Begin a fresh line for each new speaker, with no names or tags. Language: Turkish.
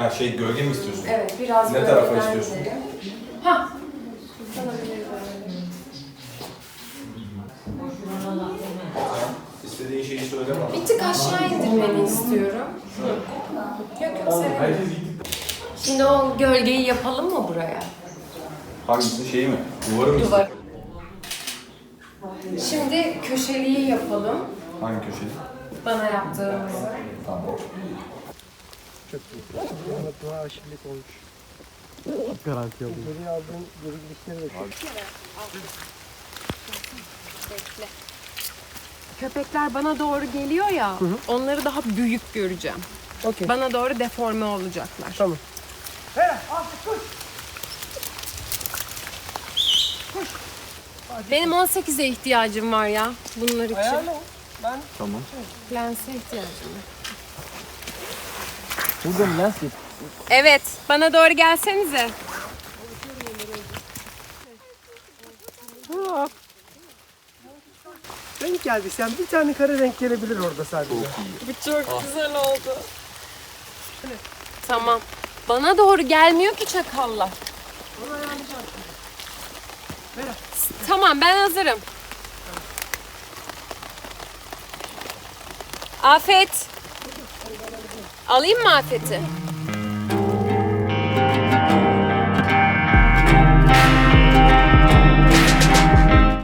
Ha şey gölge mi istiyorsun?
Evet, biraz
Ne tarafa istiyorsun?
Ha.
İstediğin şeyi söyle bana.
Bir tık aşağı indirmeni istiyorum. Yok yok severim. Şimdi o gölgeyi yapalım mı buraya?
Hangisi şeyi mi? Duvarı mı
Duvar.
istiyorsun?
Şimdi köşeliği yapalım.
Hangi köşeyi?
Bana yaptığımızı.
Tamam.
Çok iyi. Dua aşırılık olmuş. Garanti aldım. Geri aldığın geri gidişleri de
Bekle. Köpekler bana doğru geliyor ya, onları daha büyük göreceğim.
Okey.
Bana doğru deforme olacaklar.
Tamam.
Benim 18'e ihtiyacım var ya bunlar için.
Ayarla. Ben
Tamam.
Lense ihtiyacım var.
burada mı lens yap?
Evet, bana doğru gelsenize.
Renk geldi. Sen bir tane kare renk gelebilir orada sadece.
Bu çok güzel oldu. Tamam. Bana doğru gelmiyor ki çakallar. Tamam, ben hazırım. Afet. Alayım mı Afet'i?